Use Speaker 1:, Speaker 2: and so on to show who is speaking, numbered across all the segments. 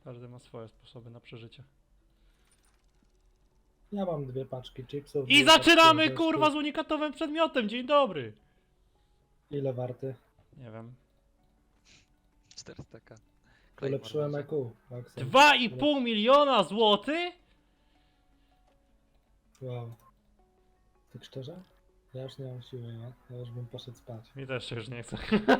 Speaker 1: Każdy ma swoje sposoby na przeżycie.
Speaker 2: Ja mam 2 paczki chipsów.
Speaker 1: I
Speaker 2: 2
Speaker 1: zaczynamy
Speaker 2: paczki
Speaker 1: kurwa z
Speaker 2: orzeszków.
Speaker 1: unikatowym przedmiotem, dzień dobry!
Speaker 2: Ile warty?
Speaker 1: Nie wiem.
Speaker 3: 400k.
Speaker 2: Ulepszyłem EQ. Maxem.
Speaker 1: 2,5 miliona złotych?
Speaker 2: Wow. Tak szczerze? Ja już nie mam siły, nie? Ja już bym poszedł spać.
Speaker 1: Mi też się już nie chce.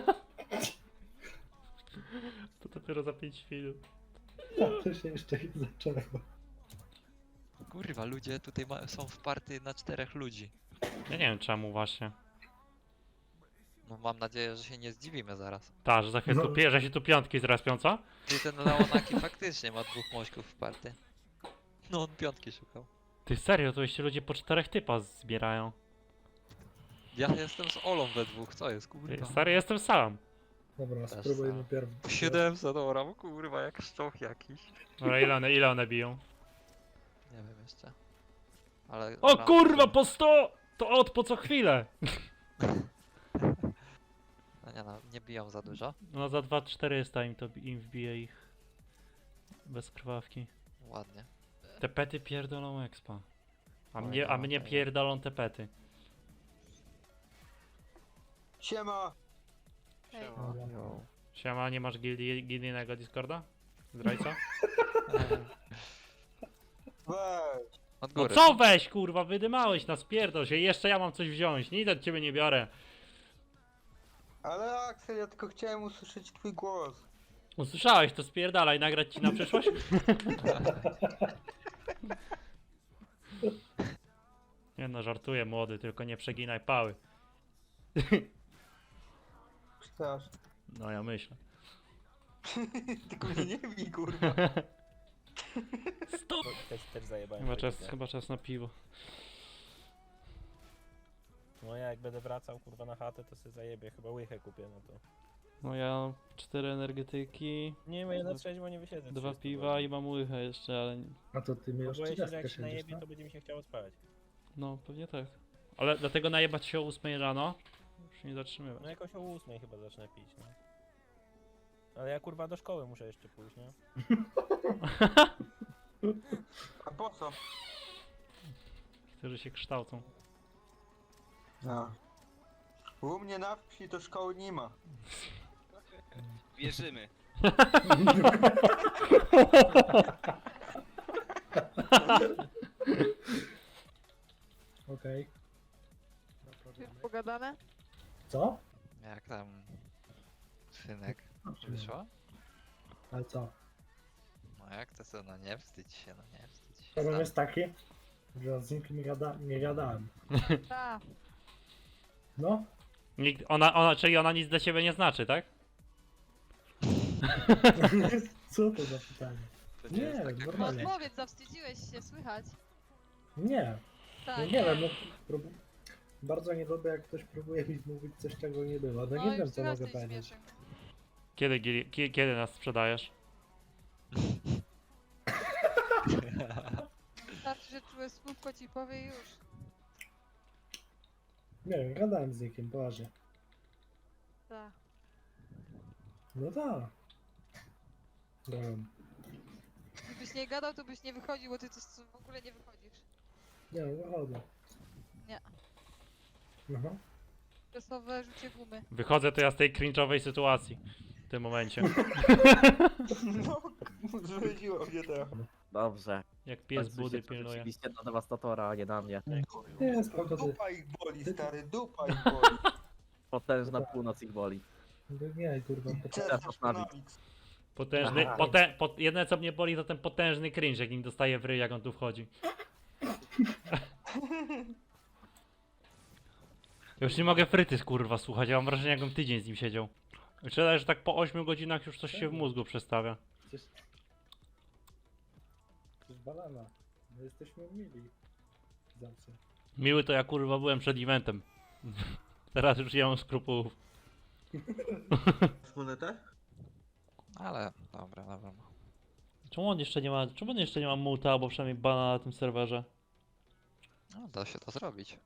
Speaker 1: To dopiero za 5 minut.
Speaker 2: To się jeszcze nie zaczęło.
Speaker 3: Kurwa, ludzie tutaj są w party na 4 ludzi.
Speaker 1: Ja nie wiem czemu właśnie.
Speaker 3: No mam nadzieję, że się nie zdziwimy zaraz.
Speaker 1: Ta, że za chwilę
Speaker 2: No.
Speaker 1: że się tu piątki zrespią, co?
Speaker 3: Ty ten Leonaki faktycznie ma 2 mośków w party. No on piątki szukał.
Speaker 1: Ty serio, to jeszcze ludzie po 4 typa zbierają.
Speaker 3: Ja jestem z Olą we dwóch, co jest kurwa?
Speaker 1: Stary, jestem sam.
Speaker 2: Dobra,
Speaker 3: Też
Speaker 2: spróbujmy
Speaker 3: sam.
Speaker 2: pierw.
Speaker 3: 700 dobra, kurwa jak szczoch jakiś.
Speaker 1: Dobra, ile one biją?
Speaker 3: Nie wiem jeszcze. Ale...
Speaker 1: O kurwa, po 100! To od po co chwilę!
Speaker 3: No nie no, nie biją za dużo.
Speaker 1: No za 2400 im wbije ich. Bez krwawki.
Speaker 3: Ładnie.
Speaker 1: Te pety pierdolą expa. A
Speaker 3: Oj,
Speaker 1: mnie,
Speaker 3: no,
Speaker 1: a mnie
Speaker 3: to ja.
Speaker 1: pierdolą te pety.
Speaker 4: Siema!
Speaker 5: Hej.
Speaker 1: Siema, nie masz gildijnego Discorda? Zdrajca?
Speaker 4: Weź!
Speaker 3: Od
Speaker 1: No
Speaker 3: góry.
Speaker 1: co weź kurwa, wydymałeś nas, pierdol się, jeszcze ja mam coś wziąć, nic od ciebie nie biorę.
Speaker 4: Ale Axel, ja tylko chciałem usłyszeć twój głos.
Speaker 1: Usłyszałeś, to spierdalaj, nagrać ci na przyszłość? Nie no, żartuję młody, tylko nie przeginaj pały.
Speaker 4: Przepraszam.
Speaker 1: No ja myślę.
Speaker 4: Tylko mnie nie bij, kurwa.
Speaker 1: Stop!
Speaker 6: Też zajebałem.
Speaker 1: Chyba czas na piwo.
Speaker 6: No ja jak będę wracał kurwa na chatę, to sobie zajebię, chyba łychę kupię, no to.
Speaker 1: No ja 4 energetyki,
Speaker 6: Nie wiem, ja na trzeźwo nie wysiedzę.
Speaker 1: 2 piwa i mam łychę jeszcze, ale
Speaker 2: A to ty mi
Speaker 6: No
Speaker 2: już
Speaker 6: boję się, że
Speaker 2: 30
Speaker 6: jak się
Speaker 2: siedzisz,
Speaker 6: najebie,
Speaker 2: no?
Speaker 6: to będzie mi się chciało spać.
Speaker 1: no pewnie tak. Ale dlatego najebać się o 8 rano, już nie zatrzymywać.
Speaker 6: No jakoś o 8 chyba zacznę pić, no. Ale ja kurwa do szkoły muszę jeszcze pójść, nie?
Speaker 4: A po co?
Speaker 1: Którzy się kształcą.
Speaker 4: No. U mnie na wsi to szkoły nie ma.
Speaker 5: Wierzymy.
Speaker 2: Okej.
Speaker 5: Pogadane?
Speaker 2: Co?
Speaker 3: Jak tam... Synek wyszło?
Speaker 2: Ale co?
Speaker 3: No jak to co, no nie wstydź się, no nie wstydź się.
Speaker 2: Problem jest taki, że z nikim nie gadałem.
Speaker 5: Tak.
Speaker 2: No?
Speaker 1: Czyli ona nic dla ciebie nie znaczy, tak?
Speaker 2: Co to za pytanie?
Speaker 3: To
Speaker 2: Nie,
Speaker 3: jest taka
Speaker 5: No
Speaker 2: normalnie.
Speaker 5: odpowiedz, zawstydziłeś się, słychać.
Speaker 2: Nie.
Speaker 5: Tak.
Speaker 2: No nie wiem, no, bardzo nie lubię jak ktoś próbuje mi mówić coś czego nie było. No nie
Speaker 5: już
Speaker 2: wiem co
Speaker 5: teraz
Speaker 2: mogę
Speaker 5: tej
Speaker 2: powiedzieć.
Speaker 5: śmieszek.
Speaker 1: Kiedy nas sprzedajesz?
Speaker 5: Wystarczy, że czułe słówko ci powie i już.
Speaker 2: Nie wiem, gadałem z nikim, poważnie.
Speaker 5: Tak.
Speaker 2: No tak. Gadałem.
Speaker 5: Gdybyś nie gadał, to byś nie wychodził, bo ty to w ogóle nie wychodzisz.
Speaker 2: Nie, wychodzę.
Speaker 5: Nie.
Speaker 2: Aha.
Speaker 5: Czasowe rzucie gumy.
Speaker 1: Wychodzę to ja z tej cringe'owej sytuacji. W tym momencie.
Speaker 4: No, zwiedziło mnie to.
Speaker 7: Dobrze.
Speaker 1: Jak pies
Speaker 7: Końcu
Speaker 1: budy
Speaker 7: się
Speaker 1: pilnuje.
Speaker 7: Oczywiście na dewastatora, a nie na mnie.
Speaker 2: Nie, spoko, ty.
Speaker 4: Dupa ich boli, stary, dupa ich boli.
Speaker 7: Potężna północ ich boli.
Speaker 2: Nie, kurwa.
Speaker 4: Czerpasz Konamix.
Speaker 1: Potężny,
Speaker 7: Aha.
Speaker 1: jedyne co mnie boli to ten potężny cringe, jak nim dostaje w ryj, jak on tu wchodzi. Już nie mogę frytys kurwa słuchać, ja mam wrażenie jakbym tydzień z nim siedział. Myślę, że tak po 8 godzinach już coś się w mózgu przestawia.
Speaker 2: Przecież... To jest banana. My jesteśmy mili. Zawsze.
Speaker 1: Miły to ja kurwa byłem przed eventem. Teraz już nie mam skrupułów.
Speaker 4: Monetę?
Speaker 3: Ale, dobra, dobra.
Speaker 1: Czemu on jeszcze nie ma muta, albo przynajmniej bana na tym serwerze?
Speaker 3: No da się to zrobić.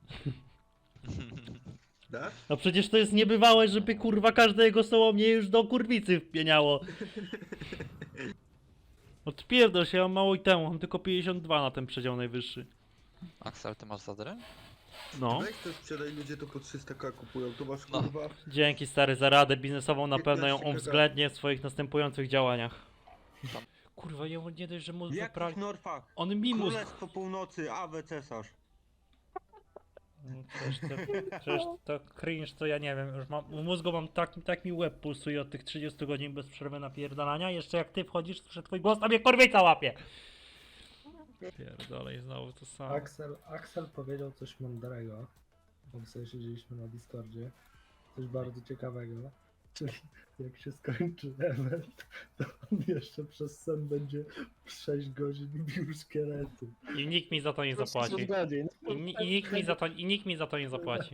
Speaker 4: Tak?
Speaker 1: No przecież to jest niebywałe, żeby kurwa każde jego słowo mnie już do kurwicy wpieniało. Odpierdol się, ja mam mało i temu, mam tylko 52 na ten przedział najwyższy.
Speaker 3: Axel, ty masz zadrę?
Speaker 1: No.
Speaker 4: Weź to sprzedaj, ludzie to po 300k kupują, to masz
Speaker 3: No.
Speaker 4: kurwa...
Speaker 1: Dzięki stary za radę biznesową, na pewno ją
Speaker 4: 15
Speaker 1: uwzględnię w swoich następujących działaniach.
Speaker 3: Tam.
Speaker 1: Kurwa, ja nie dość, że mózg
Speaker 4: Jak
Speaker 1: wypra...
Speaker 4: w Norfach?
Speaker 1: On mi mózg...
Speaker 4: Królestwo Północy, Awe cesarz.
Speaker 1: No, przecież to cringe, to ja nie wiem, już mam, w mózgu mam tak mi łeb pulsuje od tych 30 godzin bez przerwy napierdalania, jeszcze jak ty wchodzisz, słyszę twój głos, a mnie korwica łapie! Pierdolę i znowu to samo.
Speaker 2: Axel powiedział coś mądrego, bo sobie siedzieliśmy na Discordzie. Coś bardzo ciekawego. Czyli jak się skończy event, to on jeszcze przez sen będzie 6 godzin bił szkielety.
Speaker 1: I nikt mi za to nie zapłaci.
Speaker 2: godzin.
Speaker 1: I nikt mi za to nie zapłaci.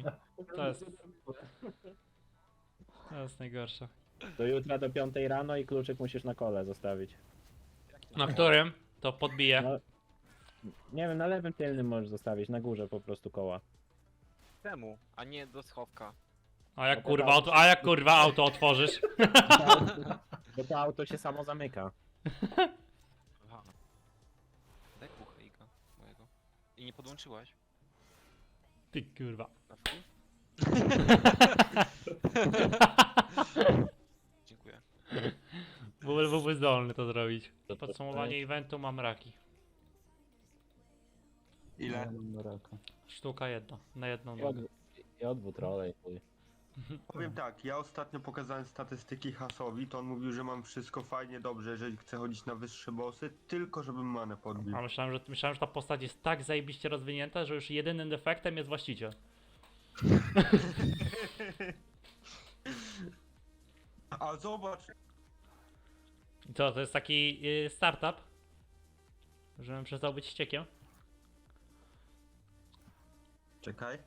Speaker 1: To jest najgorsze.
Speaker 6: Do jutra do 5 rano i kluczyk musisz na kole zostawić.
Speaker 1: Na którym? To podbiję.
Speaker 6: No, nie wiem, na lewym tylnym możesz zostawić, na górze po prostu koła.
Speaker 8: Temu, a nie do schowka.
Speaker 1: A jak kurwa auto otworzysz?
Speaker 6: Bo to auto się samo zamyka.
Speaker 8: Aha. Daj kuchejka mojego. I nie podłączyłaś?
Speaker 1: Ty kurwa.
Speaker 8: Na wpół? Dziękuję.
Speaker 1: Byłby zdolny to zrobić. Podsumowanie eventu mam raki.
Speaker 4: Ile?
Speaker 1: Sztuka jedna, na jedną
Speaker 6: I
Speaker 1: nogę.
Speaker 6: odwód rolej.
Speaker 4: Powiem tak, ja ostatnio pokazałem statystyki Hasowi, to on mówił, że mam wszystko fajnie, dobrze, jeżeli chcę chodzić na wyższe bossy, tylko żebym manę podbił.
Speaker 1: A myślałem, że ta postać jest tak zajebiście rozwinięta, że już jedynym defektem jest właściciel.
Speaker 4: A zobacz,
Speaker 1: I co, to jest taki startup? Żebym przestał być ściekiem?
Speaker 4: czekaj.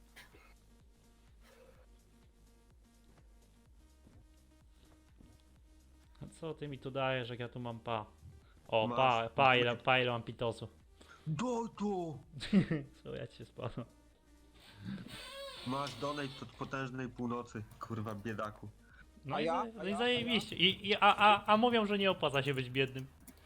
Speaker 1: A co ty mi tu dajesz, jak ja tu mam pa? O,
Speaker 4: Masz.
Speaker 1: pa ile mam pitosu.
Speaker 4: Doj tu!
Speaker 1: Co ja ci spadłem?
Speaker 4: Masz donate od potężnej północy, kurwa biedaku.
Speaker 1: No,
Speaker 8: A
Speaker 1: i,
Speaker 8: ja?
Speaker 1: no i zajebiście. A mówią, że nie opłaca się być biednym.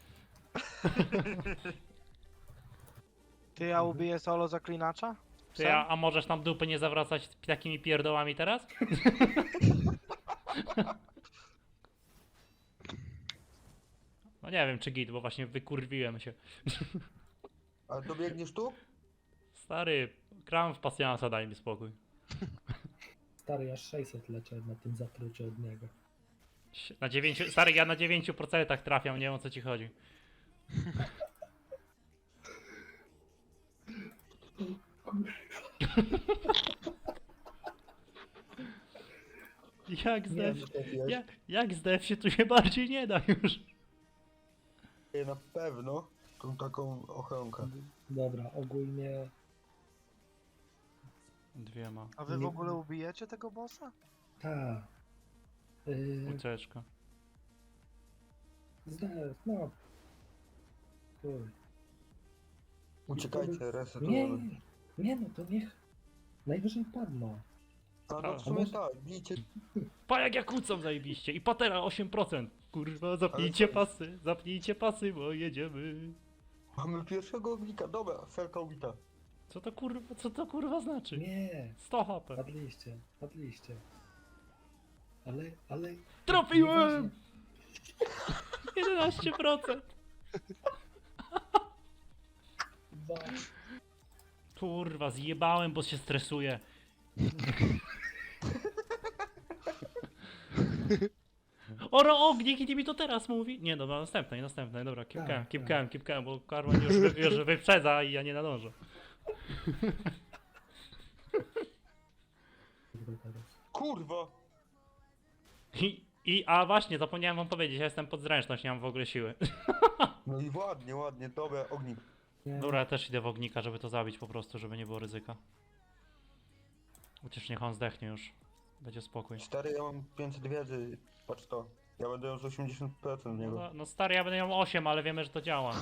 Speaker 9: Ty, ja ubiję solo zaklinacza?
Speaker 1: Ty, a możesz nam dupy nie zawracać takimi pierdołami teraz? No nie wiem czy git, bo właśnie wykurwiłem się.
Speaker 4: A dobiegniesz tu?
Speaker 1: Stary, gram w pasjansa, daj mi spokój.
Speaker 2: Stary, aż 600 leczę na tym zatrucie od niego.
Speaker 1: Na 9, stary, ja na 9% trafiam, nie wiem o co ci chodzi. Jak zdef, jak zdef się tu się bardziej nie da już.
Speaker 4: Na pewno tą taką ochronkę.
Speaker 2: Dobra, ogólnie
Speaker 1: Dwiema.
Speaker 9: A wy w
Speaker 2: Nie-
Speaker 9: ogóle ubijecie tego bossa?
Speaker 2: ta.
Speaker 1: Ucieczka.
Speaker 2: No. Chuj.
Speaker 4: Uciekajcie, reset.
Speaker 2: Nie, nie no to niech najwyżej padną.
Speaker 4: A no w sumie tak, bijcie.
Speaker 1: Pa jak ja kłócą zajebiście i patera 8%. Kurwa, zapnijcie pasy, bo jedziemy.
Speaker 4: Mamy pierwszego ognika, dobra, felka ubita.
Speaker 1: Co to kurwa znaczy?
Speaker 2: Nie,
Speaker 1: 100 HP.
Speaker 2: padliście. Ale...
Speaker 1: Trafiłem! 11%.
Speaker 2: Nieważne.
Speaker 1: Kurwa, zjebałem, bo się stresuję. Oro ognik i mi to teraz mówi. Nie, dobra, następnej, dobra, keep calm, bo Karman już wyprzedza i ja nie nadążę.
Speaker 4: Kurwa!
Speaker 1: A właśnie, zapomniałem wam powiedzieć, ja jestem pod zręczność, nie mam w ogóle siły.
Speaker 4: No i ładnie, dobra, ognik.
Speaker 2: Nie,
Speaker 1: Dobra, ja też idę w ognika, żeby to zabić po prostu, żeby nie było ryzyka. Chociaż niech on zdechnie już. Będzie spokój.
Speaker 4: Stary, ja mam 500 wiedzy, patrz to. Ja będę miał z 80% w niego.
Speaker 1: No stary, ja będę miał 8, ale wiemy, że to działa.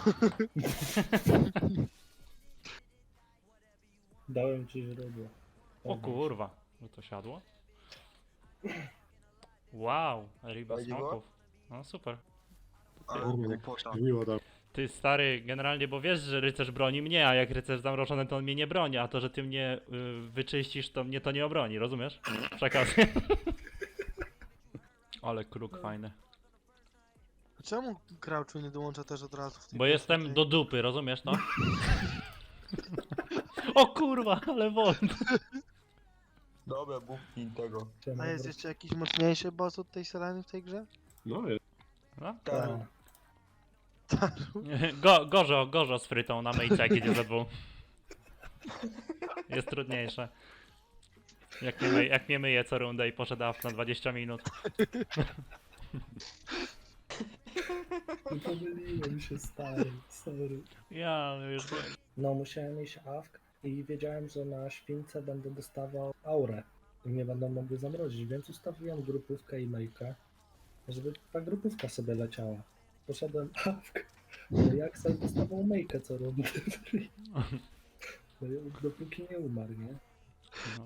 Speaker 2: Dałem ci źródło.
Speaker 1: O kurwa, że to siadło. Wow, ryba
Speaker 4: Fajnie było?
Speaker 1: smoków. No super.
Speaker 4: Ale głupota.
Speaker 1: Ty stary, generalnie, bo wiesz, że rycerz broni mnie, a jak rycerz zamroczony, to on mnie nie broni, a to, że ty mnie wyczyścisz, to mnie to nie obroni, rozumiesz? Przekaz. Ale kruk fajny.
Speaker 9: Czemu Crouchu nie dołącza też od razu w tej
Speaker 1: Bo jestem
Speaker 9: tej-
Speaker 1: do dupy, rozumiesz to? O kurwa, ale wolno.
Speaker 4: Dobra, bufki tego.
Speaker 9: A jest jeszcze jakiś mocniejszy boss od tej Seleny w tej grze?
Speaker 1: No?
Speaker 4: Taru.
Speaker 1: Gorzo z frytą na myjce, jak idzie ze dwóch. Jest trudniejsze. Jak mnie myje co rundę i poszedł na 20 minut.
Speaker 2: Pomyliłem się, stary, sorry.
Speaker 1: Ja już wiem.
Speaker 2: No, musiałem iść awk i wiedziałem, że na śwince będę dostawał aurę i mnie będą mogły zamrozić, więc ustawiłem grupówkę i mailkę, żeby ta grupówka sobie leciała. Poszedłem awk, no jak sobie dostawał mailkę co rundę. No, dopóki nie umarł, nie?
Speaker 1: No.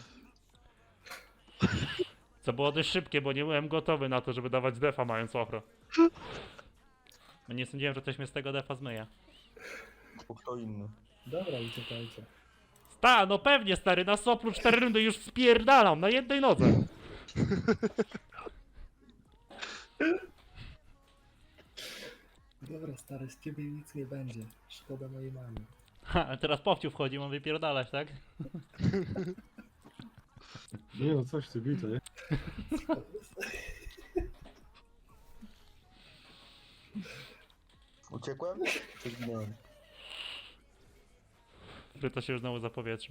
Speaker 1: Co było dość szybkie, bo nie byłem gotowy na to, żeby dawać defa mając ochro. No nie sądziłem, że ktoś mnie z tego defa zmyje.
Speaker 4: Kto inny.
Speaker 2: Dobra, uciekajcie.
Speaker 1: No pewnie stary, na soplu 4 rundy już spierdalam na jednej nodze.
Speaker 2: Dobra, stary, z ciebie nic nie będzie. Szkoda mojej mamy.
Speaker 1: Ha, a teraz powciu wchodzi, mam wypierdalać, tak?
Speaker 10: Nie no, coś ty bito, nie?
Speaker 4: Uciekłem? Czy zginąłem?
Speaker 1: Fryto się już znowu zapowietrzył.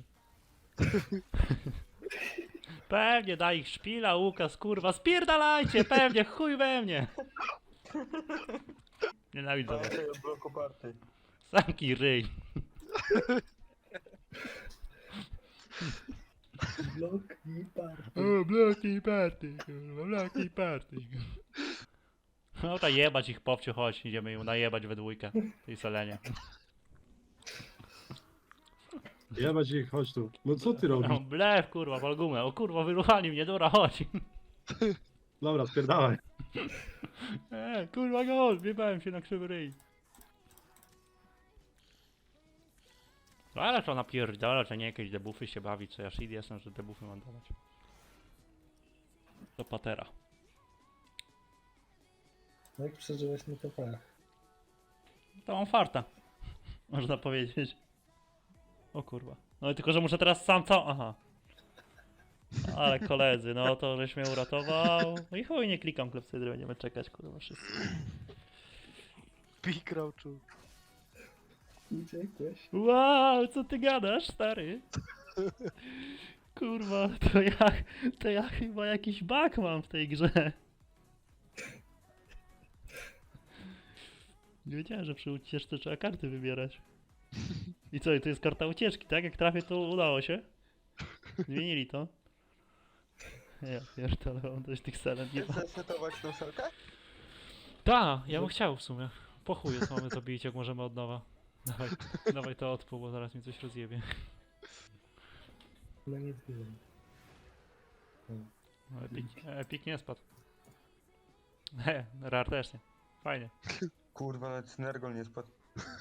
Speaker 1: Pewnie, daj ich szpila, Łukasz, kurwa, spierdalajcie, pewnie, chuj we mnie. Nienawidzę was.
Speaker 4: Pamiętaj o bloku party.
Speaker 1: Samki ryj.
Speaker 2: Blok i party.
Speaker 1: O, bloki party, kurwa, bloki party. No to jebać ich powciu, chodź, idziemy ją najebać we dwójkę, tej Selenie.
Speaker 10: Jebać ich, chodź tu. No co ty robisz?
Speaker 1: No, blef, kurwa, walgumę, o kurwa, wyruchali mnie, dobra, chodź.
Speaker 10: Dobra, spierdalaj.
Speaker 1: Kurwa, gol, wjebałem się na krzywy ryj. Ale to napierdala, że nie jakieś debuffy się bawi, co ja shit jestem, że debuffy mam dawać. Do patera.
Speaker 2: No jak przeżyłeś mi to pech.
Speaker 1: To mam farta. Można powiedzieć. O kurwa. No tylko, że muszę teraz sam Aha. Ale koledzy, no to żeś mnie uratował. No i chuj, nie klikam klepsydry, będziemy czekać, kurwa, wszyscy.
Speaker 9: Pi Crouchu.
Speaker 2: Uciekłeś?
Speaker 1: Wow, co ty gadasz, stary? Kurwa, to ja chyba jakiś bug mam w tej grze. Nie wiedziałem, że przy ucieczce trzeba karty wybierać. I co, i to jest karta ucieczki, tak? Jak trafię, to udało się? Zmienili to? Ja pierdolę, mam dość tych selen. Nie ma.
Speaker 4: Chcesz zresetować tą selkę?
Speaker 1: Ta, ja bym chciał w sumie. Po chuju, co mamy to bić, jak możemy od nowa. Dawaj to odpół, bo zaraz mi coś rozjebie.
Speaker 2: No nie wiem.
Speaker 1: No, Epic nie spadł. Rar też nie. Fajnie.
Speaker 4: Kurwa, nawet Synergol nie spadł.